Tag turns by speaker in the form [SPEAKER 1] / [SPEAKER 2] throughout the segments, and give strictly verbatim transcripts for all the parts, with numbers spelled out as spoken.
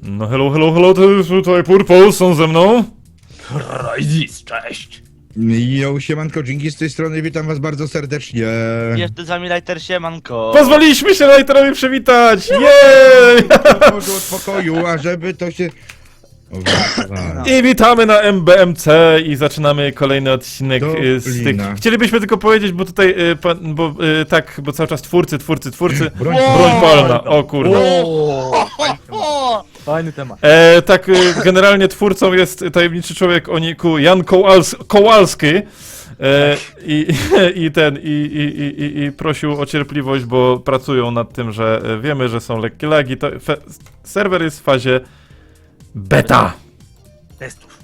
[SPEAKER 1] No hello, hello, hello, to jest tutaj Purple, są ze mną.
[SPEAKER 2] Crysis, cześć!
[SPEAKER 3] Jo, siemanko, dzięki z tej strony, witam was bardzo serdecznie.
[SPEAKER 2] Jeszcze z wami Lighter, siemanko!
[SPEAKER 1] Pozwoliliśmy się Lighterowi przywitać! Jej!
[SPEAKER 3] Może od pokoju, a żeby to się... O, wa-
[SPEAKER 1] I witamy na M B M C i zaczynamy kolejny odcinek
[SPEAKER 3] Do
[SPEAKER 1] y, z tych...
[SPEAKER 3] Lina.
[SPEAKER 1] Chcielibyśmy tylko powiedzieć, bo tutaj, y, pan, bo y, tak, bo cały czas twórcy, twórcy, twórcy...
[SPEAKER 3] Broń,
[SPEAKER 1] Broń palna, o kurde.
[SPEAKER 2] O!
[SPEAKER 4] Fajny temat.
[SPEAKER 1] E, tak, y, generalnie twórcą jest tajemniczy człowiek o niku Jan Kołals Kołalski. E, i, I ten, i, i, i, i, i prosił o cierpliwość, bo pracują nad tym, że e, wiemy, że są lekkie lagi. To fe, serwer jest w fazie beta.
[SPEAKER 4] Testów.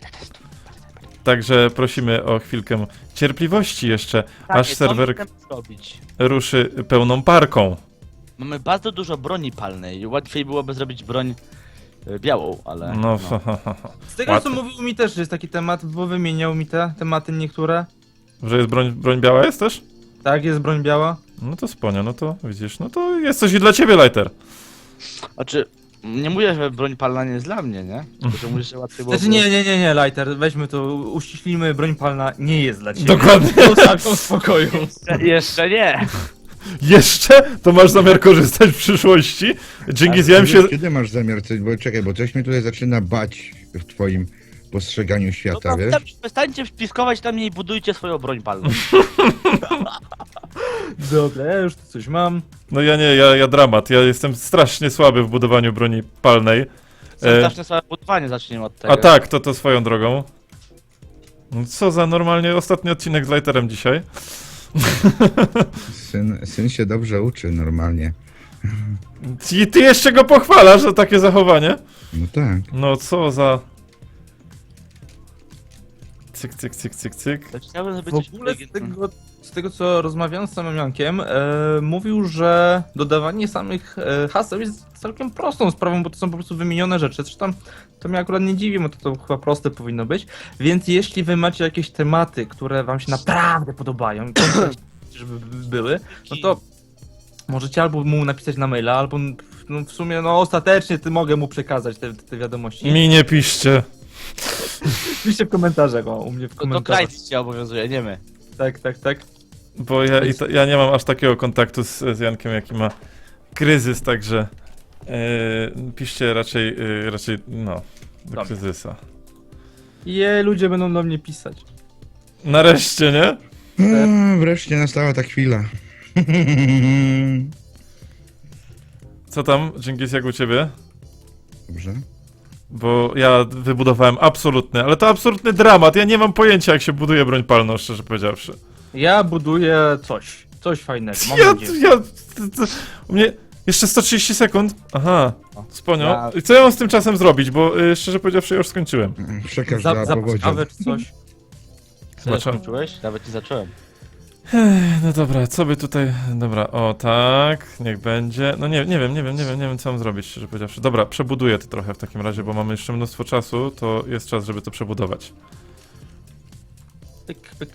[SPEAKER 1] Także prosimy o chwilkę cierpliwości jeszcze, aż serwer
[SPEAKER 2] zrobić.
[SPEAKER 1] ruszy pełną parką.
[SPEAKER 2] Mamy bardzo dużo broni palnej. Łatwiej byłoby zrobić broń e, białą, ale...
[SPEAKER 1] No,
[SPEAKER 4] Z tego
[SPEAKER 1] Łatwo.
[SPEAKER 4] co mówił mi też jest taki temat, bo wymieniał mi te tematy niektóre.
[SPEAKER 1] że jest broń, broń biała jest też?
[SPEAKER 4] Tak, jest broń biała.
[SPEAKER 1] No to spłonia, no to widzisz, no to jest coś i dla ciebie, Lighter.
[SPEAKER 2] Znaczy, nie mówię, że broń palna nie jest dla mnie, nie? Tylko, że mówię, że łatwiej byłoby...
[SPEAKER 4] Znaczy nie, nie, nie, nie, Lighter, weźmy to, uściślimy, broń palna nie jest dla ciebie.
[SPEAKER 1] Dokładnie.
[SPEAKER 4] Zostaw ją w spokoju.
[SPEAKER 2] Jeszcze, jeszcze nie!
[SPEAKER 1] Jeszcze? To masz zamiar korzystać w przyszłości? Dzięki zjem się...
[SPEAKER 3] Kiedy masz zamiar coś, bo czekaj, bo coś mnie tutaj zaczyna bać w twoim postrzeganiu
[SPEAKER 2] No
[SPEAKER 3] świata,
[SPEAKER 2] to
[SPEAKER 3] wiesz?
[SPEAKER 2] tam przestańcie spiskować na mnie i budujcie swoją broń palną.
[SPEAKER 4] Dobra, ja już tu coś mam.
[SPEAKER 1] No ja nie, ja, ja dramat. Ja jestem strasznie słaby w budowaniu broni palnej.
[SPEAKER 2] Są
[SPEAKER 1] E,
[SPEAKER 2] straszne słabe budowanie, zacznijmy od tego.
[SPEAKER 1] A tak, to to swoją drogą. No co za normalnie ostatni odcinek z Lighterem dzisiaj.
[SPEAKER 3] Syn, syn się dobrze uczy normalnie.
[SPEAKER 1] I ty jeszcze go pochwalasz za takie zachowanie?
[SPEAKER 3] No tak.
[SPEAKER 1] No co za... Cyk, cyk, cyk, cyk, cyk.
[SPEAKER 2] To chciałbym, żeby
[SPEAKER 4] W
[SPEAKER 2] coś
[SPEAKER 4] ogóle z
[SPEAKER 2] inteligentnego-
[SPEAKER 4] tego, z tego co rozmawiałem z samym Jankiem, e, mówił, że dodawanie samych e, haseł jest całkiem prostą sprawą, bo to są po prostu wymienione rzeczy. Zresztą to mnie akurat nie dziwi, bo to, to chyba proste powinno być. Więc jeśli wy macie jakieś tematy, które wam się naprawdę podobają, i żeby były, no to możecie albo mu napisać na maila, albo no, w sumie no ostatecznie ty mogę mu przekazać te, te wiadomości.
[SPEAKER 1] Mi nie piszcie.
[SPEAKER 4] Piszcie w komentarzach, o, u mnie w
[SPEAKER 2] To, to
[SPEAKER 4] komentarzach.
[SPEAKER 2] Krajc cię obowiązuje, nie my.
[SPEAKER 4] Tak, tak, tak.
[SPEAKER 1] Bo ja, i to, ja nie mam aż takiego kontaktu z, z Jankiem, jaki ma kryzys, także yy, piszcie raczej, yy, raczej, no, do
[SPEAKER 4] Dobra.
[SPEAKER 1] kryzysa.
[SPEAKER 4] Je, ludzie będą do mnie pisać.
[SPEAKER 1] Nareszcie, nie?
[SPEAKER 3] A, wreszcie nastała ta chwila.
[SPEAKER 1] Co tam, Dżingis, jak u ciebie?
[SPEAKER 3] Dobrze.
[SPEAKER 1] Bo ja wybudowałem absolutny, ale to absolutny dramat, ja nie mam pojęcia, jak się buduje broń palną, szczerze powiedziawszy.
[SPEAKER 4] Ja buduję coś. Coś fajnego. Mam
[SPEAKER 1] Ja,
[SPEAKER 4] nadzieję.
[SPEAKER 1] ja, to, to, u mnie jeszcze sto trzydzieści sekund, aha, sponio.
[SPEAKER 2] Ja-
[SPEAKER 1] I co ja mam z tym czasem zrobić, bo y, szczerze powiedziawszy, ja już skończyłem.
[SPEAKER 3] Przekaż
[SPEAKER 4] Za,
[SPEAKER 3] dla
[SPEAKER 4] za
[SPEAKER 3] powodzia.
[SPEAKER 4] kawę czy coś.
[SPEAKER 2] Co,
[SPEAKER 1] Zobaczę.
[SPEAKER 2] skończyłeś? Nawet nie zacząłem.
[SPEAKER 1] No dobra, co by tutaj... Dobra, o tak, niech będzie. No nie, nie wiem, nie wiem, nie wiem, nie wiem co mam zrobić, szczerze powiedziawszy. Dobra, przebuduję to trochę w takim razie, bo mamy jeszcze mnóstwo czasu, to jest czas, żeby to przebudować.
[SPEAKER 4] Pyk, pyk.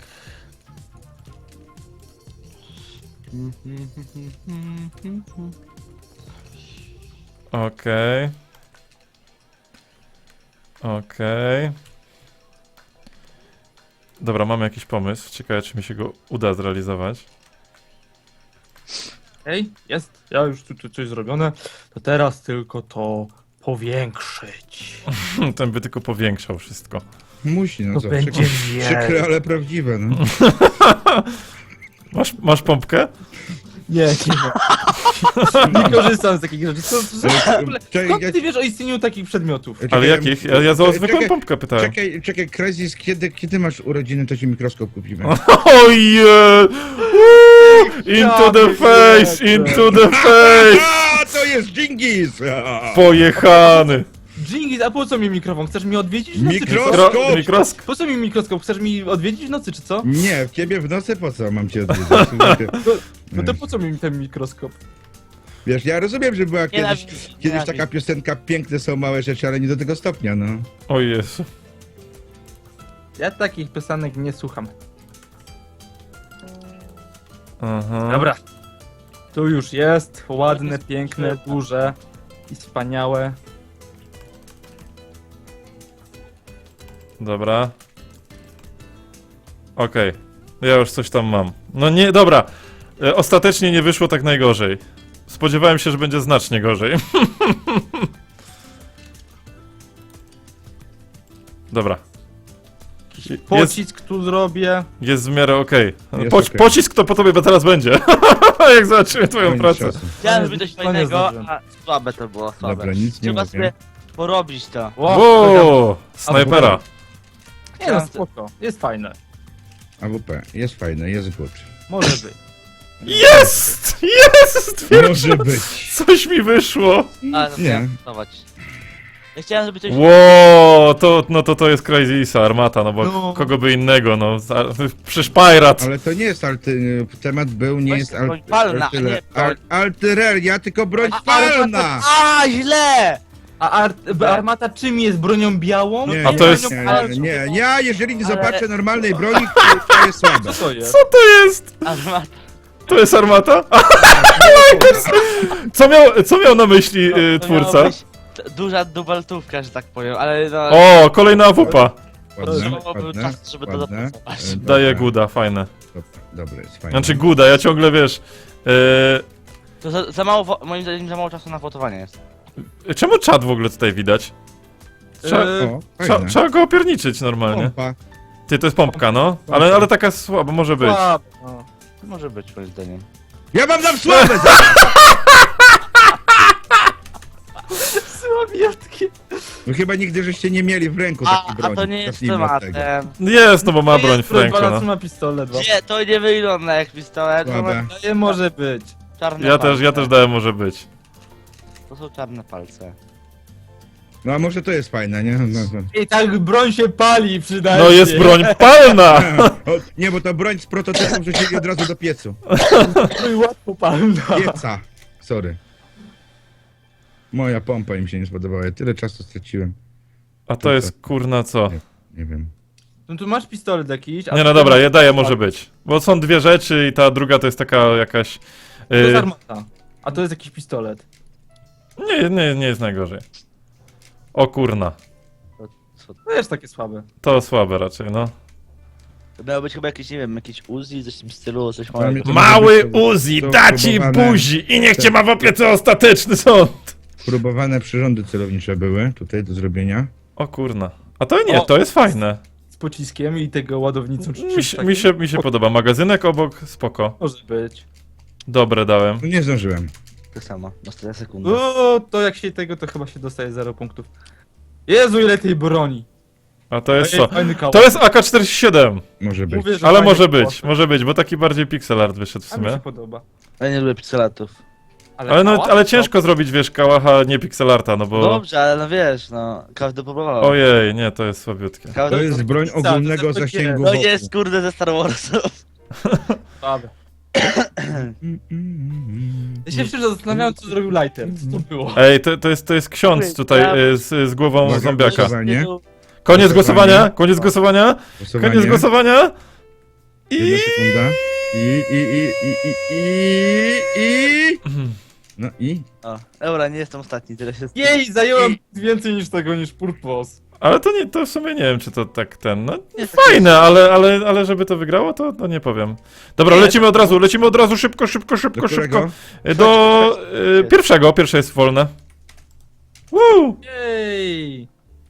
[SPEAKER 1] Okej. Okej. Dobra, mamy jakiś pomysł. Ciekawe, czy mi się go uda zrealizować.
[SPEAKER 4] Ej, jest. Ja już tu, tu coś zrobione. To teraz tylko to powiększyć.
[SPEAKER 1] Ten by tylko powiększał wszystko.
[SPEAKER 3] Musi, no
[SPEAKER 4] To
[SPEAKER 3] co,
[SPEAKER 4] będzie
[SPEAKER 3] przykre, przykre,
[SPEAKER 4] wielkie.
[SPEAKER 3] ale prawdziwe, no.
[SPEAKER 1] Masz, masz pompkę?
[SPEAKER 4] Nie, nie. Nie korzystam z takich rzeczy. Co, co, w ogóle,
[SPEAKER 3] Czekaj,
[SPEAKER 4] skąd
[SPEAKER 3] ja-
[SPEAKER 4] ty wiesz o istnieniu takich przedmiotów?
[SPEAKER 1] Ale
[SPEAKER 3] Czekaj,
[SPEAKER 1] jakich? Ja, ja za
[SPEAKER 3] czekaj,
[SPEAKER 1] zwykłą
[SPEAKER 3] czekaj,
[SPEAKER 1] pompkę pytałem.
[SPEAKER 3] Czekaj, czekaj, Crysis, kiedy, kiedy masz urodziny, to ci mikroskop kupimy.
[SPEAKER 1] Ojej! Into the face! Into the face!
[SPEAKER 3] A, to jest Dżingis!
[SPEAKER 1] Pojechany!
[SPEAKER 4] Dżingis, a po co mi mikrofon? Chcesz mi odwiedzić w nocy, czy
[SPEAKER 3] Mikro-
[SPEAKER 4] co?
[SPEAKER 1] Mikro, mikroskop.
[SPEAKER 4] Po co mi mikroskop? Chcesz mi odwiedzić w nocy, czy co?
[SPEAKER 3] Nie, w ciebie w nocy po co mam cię odwiedzić? Słuchajcie.
[SPEAKER 4] No to po co mi ten mikroskop?
[SPEAKER 3] Wiesz, ja rozumiem, że była kiedyś,
[SPEAKER 2] Nienawidzi,
[SPEAKER 3] kiedyś
[SPEAKER 2] nienawidzi.
[SPEAKER 3] taka piosenka Piękne są małe rzeczy, ale nie do tego stopnia, no.
[SPEAKER 1] O Jezu.
[SPEAKER 4] Ja takich piosenek nie słucham.
[SPEAKER 1] Aha.
[SPEAKER 4] Dobra. Tu już jest. Ładne, piękne, duże i wspaniałe.
[SPEAKER 1] Dobra. Okej. Ja już coś tam mam. No nie, dobra. E, Ostatecznie nie wyszło tak najgorzej. Spodziewałem się, że będzie znacznie gorzej. Dobra. Jest,
[SPEAKER 4] Pocisk tu zrobię.
[SPEAKER 1] jest w miarę okej.
[SPEAKER 3] Jest
[SPEAKER 1] Poc
[SPEAKER 3] okej.
[SPEAKER 1] Pocisk to po tobie teraz będzie. Jak zobaczymy twoją
[SPEAKER 3] Koniec
[SPEAKER 1] pracę.
[SPEAKER 3] czasu.
[SPEAKER 2] Chciałem
[SPEAKER 4] nie-
[SPEAKER 2] zrobić coś
[SPEAKER 4] to nie
[SPEAKER 2] fajnego,
[SPEAKER 4] zdążyłem.
[SPEAKER 2] a słabe to było, słabe.
[SPEAKER 3] Dobra, nic nie
[SPEAKER 2] Trzeba
[SPEAKER 3] mówię.
[SPEAKER 2] sobie porobić to.
[SPEAKER 4] Wow,
[SPEAKER 1] Wow, snajpera.
[SPEAKER 4] Nie no, spoko. Jest fajne.
[SPEAKER 3] A W P, jest fajne, jest good.
[SPEAKER 4] Może być.
[SPEAKER 1] Jest! Jest! Pierwszy
[SPEAKER 3] Może być.
[SPEAKER 1] Coś mi wyszło.
[SPEAKER 2] A, no to
[SPEAKER 3] Nie.
[SPEAKER 2] ja pracować. Ja chciałem zrobić coś...
[SPEAKER 1] Wow, to, no to to jest Crazy Isa, armata, no bo
[SPEAKER 4] No.
[SPEAKER 1] kogo by innego, no. za- Przecież Pirat.
[SPEAKER 3] Ale to nie jest alty... Temat był, nie
[SPEAKER 2] Właśnie
[SPEAKER 3] jest
[SPEAKER 2] broń
[SPEAKER 3] al...
[SPEAKER 2] palna, a
[SPEAKER 3] altyle-
[SPEAKER 2] nie broń-
[SPEAKER 3] al- Altereria, tylko broń
[SPEAKER 2] A,
[SPEAKER 3] palna!
[SPEAKER 2] A, źle!
[SPEAKER 4] A art armata czym jest? Bronią białą?
[SPEAKER 3] Nie,
[SPEAKER 1] A to
[SPEAKER 3] nie,
[SPEAKER 1] jest-
[SPEAKER 3] Nie, nie, nie, ja jeżeli nie
[SPEAKER 2] Ale-
[SPEAKER 3] zobaczę normalnej broni, to, to jest słabe.
[SPEAKER 4] Co to jest?
[SPEAKER 1] Co to jest?
[SPEAKER 2] Armata.
[SPEAKER 1] To jest armata? Co miał, co miał na myśli y,
[SPEAKER 2] To miało
[SPEAKER 1] twórca?
[SPEAKER 2] być t- duża dubeltówka, że tak powiem, ale no...
[SPEAKER 1] O, kolejna awupa.
[SPEAKER 3] Ładne,
[SPEAKER 2] To był
[SPEAKER 3] ładne,
[SPEAKER 2] czas, żeby to
[SPEAKER 3] ładne.
[SPEAKER 2] dopracować.
[SPEAKER 3] E,
[SPEAKER 1] Daje
[SPEAKER 3] dobra,
[SPEAKER 1] guda, fajne.
[SPEAKER 3] dobra, Dobre, jest fajne.
[SPEAKER 1] Znaczy guda, ja ciągle wiesz.
[SPEAKER 2] To za, za mało, wo- moim zdaniem za mało czasu na fotowanie jest.
[SPEAKER 1] y, czemu czat w ogóle tutaj widać? Trza,
[SPEAKER 4] Eee,
[SPEAKER 3] O,
[SPEAKER 1] trza,
[SPEAKER 3] fajne.
[SPEAKER 1] trzeba go opierniczyć normalnie.
[SPEAKER 3] Pompa.
[SPEAKER 1] Ty, to jest pompka, no. Ale, ale taka słaba może być.
[SPEAKER 4] słabo. No.
[SPEAKER 2] To może być moim zdaniem.
[SPEAKER 3] Ja wam dam sławę!
[SPEAKER 4] Słabiutki.
[SPEAKER 3] No chyba nigdy żeście nie mieli w ręku
[SPEAKER 2] A,
[SPEAKER 3] takiej broni.
[SPEAKER 2] a to nie jest
[SPEAKER 3] Zacznijmy od tego.
[SPEAKER 2] tematem.
[SPEAKER 1] Jest, no bo ma broń w ręku,
[SPEAKER 4] no.
[SPEAKER 1] no.
[SPEAKER 4] ma pistolet. no.
[SPEAKER 2] Nie, to nie wygląda jak pistolet, to
[SPEAKER 3] Słabe.
[SPEAKER 2] ma
[SPEAKER 4] To nie może być.
[SPEAKER 2] czarne
[SPEAKER 1] Ja
[SPEAKER 2] palce.
[SPEAKER 1] też, ja też dałem może być.
[SPEAKER 2] To są czarne palce.
[SPEAKER 3] No a może to jest fajne, nie? No, no.
[SPEAKER 4] I tak broń się pali przynajmniej.
[SPEAKER 1] No jest broń palna!
[SPEAKER 3] O, nie, bo to broń z prototypem wrzucili od razu do piecu.
[SPEAKER 4] Broń łatwo palna.
[SPEAKER 3] Pieca. Sorry. Moja pompa im się nie spodobała, ja tyle czasu straciłem.
[SPEAKER 1] A to jest kurna co?
[SPEAKER 3] Nie wiem.
[SPEAKER 4] No tu masz pistolet jakiś. a
[SPEAKER 1] Nie no
[SPEAKER 4] tu
[SPEAKER 1] dobra,
[SPEAKER 4] masz-
[SPEAKER 1] je daję może być. Bo są dwie rzeczy i ta druga to jest taka jakaś...
[SPEAKER 4] To jest
[SPEAKER 1] Yy,
[SPEAKER 4] armata. A to jest jakiś pistolet.
[SPEAKER 1] nie, nie, nie jest najgorzej. O kurna.
[SPEAKER 2] Co?
[SPEAKER 4] To jest takie słabe.
[SPEAKER 1] To słabe raczej, no.
[SPEAKER 2] To miało być chyba jakieś, nie wiem, jakieś Uzi, coś w tym stylu, coś
[SPEAKER 3] Dla mnie
[SPEAKER 2] małego.
[SPEAKER 3] to
[SPEAKER 1] Mały
[SPEAKER 3] może być to-
[SPEAKER 1] Uzi,
[SPEAKER 3] to
[SPEAKER 1] da ci
[SPEAKER 3] próbowane-
[SPEAKER 1] buzi i niech cię ma w opiece ostateczny sąd!
[SPEAKER 3] Próbowane przyrządy celownicze były tutaj do zrobienia.
[SPEAKER 1] O kurna. A to nie,
[SPEAKER 4] O.
[SPEAKER 1] to jest fajne.
[SPEAKER 4] Z pociskiem i tego ładownicą czy
[SPEAKER 1] Mi
[SPEAKER 4] czymś
[SPEAKER 1] się,
[SPEAKER 4] takim.
[SPEAKER 1] mi się, mi się podoba. Magazynek obok, spoko.
[SPEAKER 4] Może być.
[SPEAKER 1] Dobre dałem.
[SPEAKER 3] No nie zdążyłem.
[SPEAKER 2] To samo, ostatnia sekunda.
[SPEAKER 4] O, to jak się tego, to chyba się dostaje zero punktów. Jezu, ile tej broni.
[SPEAKER 1] A to jest
[SPEAKER 4] Ej,
[SPEAKER 1] co?
[SPEAKER 4] fajny kałak.
[SPEAKER 1] To jest A K czterdzieści siedem.
[SPEAKER 3] Może być.
[SPEAKER 4] Mówię, że
[SPEAKER 1] Ale
[SPEAKER 4] fajny
[SPEAKER 1] może
[SPEAKER 4] kałak.
[SPEAKER 1] być, może być, bo taki bardziej pixel art wyszedł w
[SPEAKER 4] A mi się
[SPEAKER 1] sumie.
[SPEAKER 4] podoba.
[SPEAKER 2] Ja nie lubię pixelatów.
[SPEAKER 1] Ale, no,
[SPEAKER 4] kałak
[SPEAKER 1] ale
[SPEAKER 4] to-
[SPEAKER 1] ciężko zrobić, wiesz, kałacha nie pixel arta, no bo...
[SPEAKER 2] Dobrze, ale no wiesz, no, każdy próbował.
[SPEAKER 1] Ojej, nie, to jest słabiutkie.
[SPEAKER 2] Każdy
[SPEAKER 3] To jest broń
[SPEAKER 4] Pizza,
[SPEAKER 3] ogólnego
[SPEAKER 4] to jest
[SPEAKER 3] zasięgu
[SPEAKER 2] No
[SPEAKER 3] wokół.
[SPEAKER 2] jest, kurde, ze Star Warsów.
[SPEAKER 4] Słabe.
[SPEAKER 3] Mm, mm, mm.
[SPEAKER 4] Ja się szczerze zastanawiałem, co zrobił Lighter. Co to było?
[SPEAKER 1] Ej, to, to, jest, to jest ksiądz tutaj y, z, z głową
[SPEAKER 3] Uwaga,
[SPEAKER 1] zombiaka.
[SPEAKER 3] głosowanie.
[SPEAKER 1] Koniec
[SPEAKER 3] Głosowanie.
[SPEAKER 1] głosowania, koniec głosowania,
[SPEAKER 3] Głosowanie.
[SPEAKER 1] koniec głosowania. I...
[SPEAKER 3] Jedna sekunda. I, i, i, i, i, i, i. No i?
[SPEAKER 2] O, dobra, nie jestem ostatni, tyle się...
[SPEAKER 4] Jej, zająłem więcej niż tego, niż Purpos.
[SPEAKER 1] Ale to nie, to w sumie nie wiem, czy to tak ten, no
[SPEAKER 2] Nie,
[SPEAKER 1] fajne, ale, ale, ale żeby to wygrało, to, to nie powiem. Dobra,
[SPEAKER 2] Nie,
[SPEAKER 1] lecimy od razu, lecimy od razu, szybko, szybko, szybko,
[SPEAKER 3] Do
[SPEAKER 1] szybko.
[SPEAKER 3] którego?
[SPEAKER 1] Y, Do y, pierwszego, pierwsze jest wolne. Woo!
[SPEAKER 4] Jej.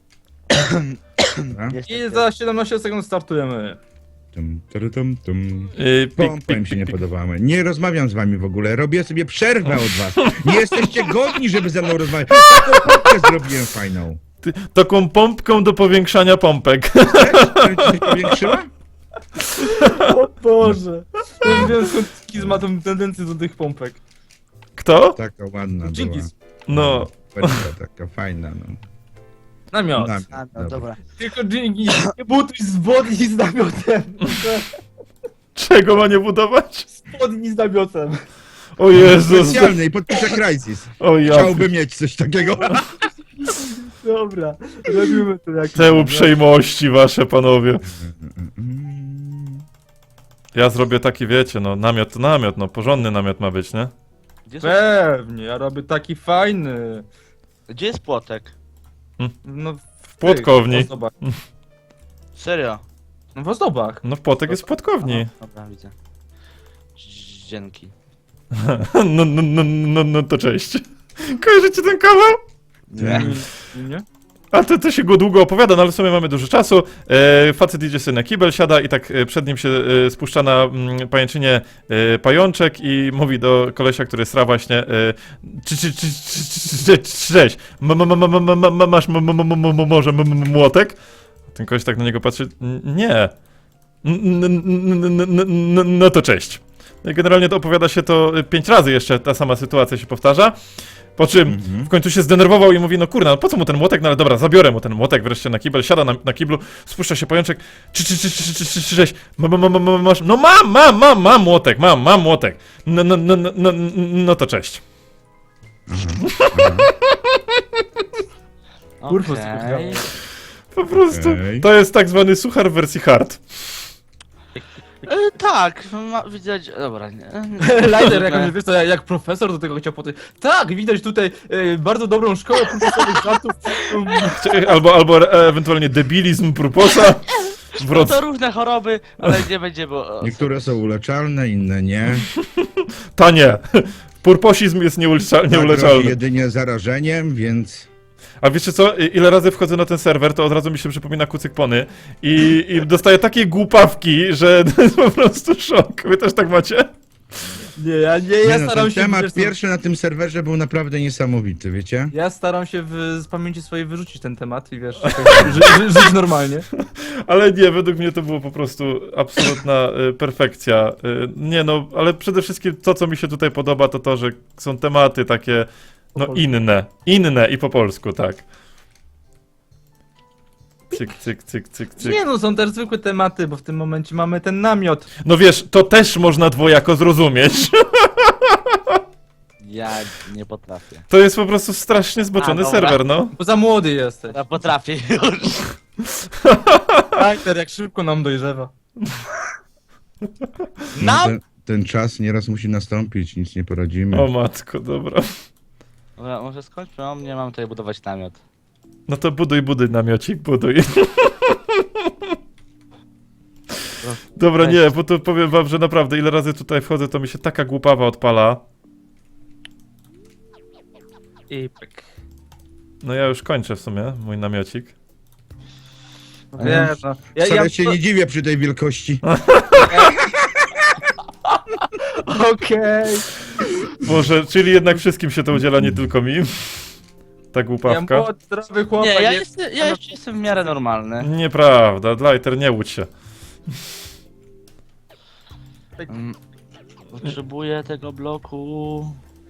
[SPEAKER 3] Dobra.
[SPEAKER 2] Jest
[SPEAKER 4] I za siedemnaście sekund startujemy.
[SPEAKER 3] Tum, tum, tum, tum.
[SPEAKER 1] Y, pik,
[SPEAKER 3] Pompa
[SPEAKER 1] pik,
[SPEAKER 3] im się
[SPEAKER 1] pik,
[SPEAKER 3] nie
[SPEAKER 1] pik.
[SPEAKER 3] podobała. Nie rozmawiam z wami w ogóle, robię sobie przerwę od was. Nie jesteście godni, żeby ze mną rozmawiać. Taką pompkę zrobiłem fajną.
[SPEAKER 1] Ty, taką pompką do powiększania pompek.
[SPEAKER 3] Chcesz? Żeby ci się powiększyła?
[SPEAKER 4] O Boże. Ja wiem, skąd Kiz ma tą tendencję do tych pompek.
[SPEAKER 1] Kto?
[SPEAKER 3] Taka ładna była.
[SPEAKER 4] Dżingis.
[SPEAKER 1] No.
[SPEAKER 3] Perka taka fajna, no.
[SPEAKER 4] Namiot.
[SPEAKER 3] Namiot,
[SPEAKER 2] A, no dobra.
[SPEAKER 4] Tylko Dżingis. Nie buduj spodni z namiotem.
[SPEAKER 1] Czego ma nie budować?
[SPEAKER 4] Spodni z namiotem.
[SPEAKER 1] O Jezus.
[SPEAKER 3] Specjalny i podpiszę Crysis.
[SPEAKER 1] O ja.
[SPEAKER 3] Chciałbym mieć coś takiego.
[SPEAKER 4] Dobra. Robimy to jak...
[SPEAKER 1] Te uprzejmości wasze, panowie. Ja zrobię taki, wiecie, no, namiot to namiot, no, porządny namiot ma być, nie?
[SPEAKER 2] Gdzie, są...
[SPEAKER 4] Pewnie, ja robię taki fajny.
[SPEAKER 2] Gdzie jest płotek?
[SPEAKER 4] No,
[SPEAKER 1] W płotkowni.
[SPEAKER 4] Zobacz.
[SPEAKER 2] Serio?
[SPEAKER 4] No w ozdobach.
[SPEAKER 1] No płotek jest w płotkowni.
[SPEAKER 2] Dobra, widzę. Dzięki.
[SPEAKER 1] No, no, no, no, no to cześć. Kojarzycie ten kawał?
[SPEAKER 2] Nie.
[SPEAKER 4] Nie?
[SPEAKER 1] A to, to się go długo opowiada, no ale w sumie mamy dużo czasu. E, facet idzie sobie na kibel, siada i tak e, przed nim się e, spuszcza na mm, pajęczynie e, pajączek i mówi do kolesia, który sra właśnie e, czy, czy, czy, czy, czy, cześć, ma, ma, ma, ma, ma, ma, ma, masz m- m- m- m- może m- m- młotek? Ten koleś tak na niego patrzy, "N- nie. N- n- n- n- n- n- No to cześć. No i generalnie to opowiada się to pięć razy jeszcze, ta sama sytuacja się powtarza. Po czym
[SPEAKER 3] Mhm.
[SPEAKER 1] w końcu się zdenerwował i mówi, no kurna, no po co mu ten młotek? No ale dobra, zabiorę mu ten młotek wreszcie na kibel, siada na, na kiblu, spuszcza się pajączek, czy, czy, czy, czy, czy, czy, czy, cześć, ma, ma, ma, ma, masz, no mam, mam, mam, mam młotek, mam, mam młotek, no, no, no, no, no, no to cześć.
[SPEAKER 4] Kurwa,
[SPEAKER 2] Okej.
[SPEAKER 1] Po prostu,
[SPEAKER 3] Okej.
[SPEAKER 1] to jest tak zwany suchar w wersji hard.
[SPEAKER 2] E, tak, ma, widać. Dobra, nie.
[SPEAKER 4] Lighter, jak, wiesz co, jak, jak profesor do tego chciał podejść. Tak, widać tutaj e, bardzo dobrą szkołę profesorowych żartów.
[SPEAKER 1] Albo, albo e, ewentualnie debilizm purposa.
[SPEAKER 2] No
[SPEAKER 1] Wroc...
[SPEAKER 2] to różne choroby, ale nie będzie, bo.
[SPEAKER 3] Niektóre są uleczalne, inne nie.
[SPEAKER 1] Ta nie. Purposizm jest nieulecza-
[SPEAKER 3] Ta grozi
[SPEAKER 1] nieuleczalny.
[SPEAKER 3] jedynie zarażeniem, więc...
[SPEAKER 1] A wiecie co, I- ile razy wchodzę na ten serwer, to od razu mi się przypomina Kucyk Pony i, i dostaję takie głupawki, że to jest po prostu szok. Wy też tak macie?
[SPEAKER 4] Nie, ja nie, ja
[SPEAKER 3] Nie no,
[SPEAKER 4] staram
[SPEAKER 3] ten
[SPEAKER 4] się...
[SPEAKER 3] temat
[SPEAKER 4] wiesz co,
[SPEAKER 3] pierwszy na tym serwerze był naprawdę niesamowity, wiecie?
[SPEAKER 4] Ja staram się w, z pamięci swojej wyrzucić ten temat i wiesz, ży, ży, żyć normalnie.
[SPEAKER 1] Ale nie, według mnie to było po prostu absolutna y, perfekcja. Y, nie no, ale przede wszystkim to, co mi się tutaj podoba, to to, że są tematy takie, no
[SPEAKER 4] polsku.
[SPEAKER 1] inne. Inne i po polsku, tak. Cyk, cyk, cyk, cyk, cyk.
[SPEAKER 4] Nie no, są też zwykłe tematy, bo w tym momencie mamy ten namiot.
[SPEAKER 1] No wiesz, to też można dwojako zrozumieć.
[SPEAKER 2] Ja nie potrafię.
[SPEAKER 1] To jest po prostu strasznie zboczony
[SPEAKER 2] A, dobra.
[SPEAKER 1] serwer, no.
[SPEAKER 4] Bo za młody jesteś.
[SPEAKER 2] Ja potrafię już.
[SPEAKER 4] Lighter, jak szybko nam dojrzewa.
[SPEAKER 2] No!
[SPEAKER 3] Ten, ten czas nieraz musi nastąpić, nic nie poradzimy.
[SPEAKER 1] O matko, dobra.
[SPEAKER 2] Dobra, może skończmy, o mnie mam tutaj budować namiot.
[SPEAKER 1] No to buduj, buduj namiocik, buduj. Dobra, nie, bo to powiem wam, że naprawdę ile razy tutaj wchodzę, to mi się taka głupawa odpala.
[SPEAKER 4] I pyk.
[SPEAKER 1] No ja już kończę w sumie mój namiocik.
[SPEAKER 4] Wiesz, no. Ja,
[SPEAKER 3] Wcale
[SPEAKER 4] ja,
[SPEAKER 3] się nie dziwię przy tej wielkości.
[SPEAKER 4] Okej.
[SPEAKER 1] Może, czyli jednak wszystkim się to udziela, nie tylko mi. Ta
[SPEAKER 4] Ja
[SPEAKER 1] głupawka.
[SPEAKER 4] młody, zdrowy chłopak.
[SPEAKER 2] Nie, ja,
[SPEAKER 4] jest-
[SPEAKER 2] jestem, ja jeszcze jestem w miarę normalny.
[SPEAKER 1] Nieprawda, Lighter, nie łudź się.
[SPEAKER 2] Mm, Potrzebuję tego bloku.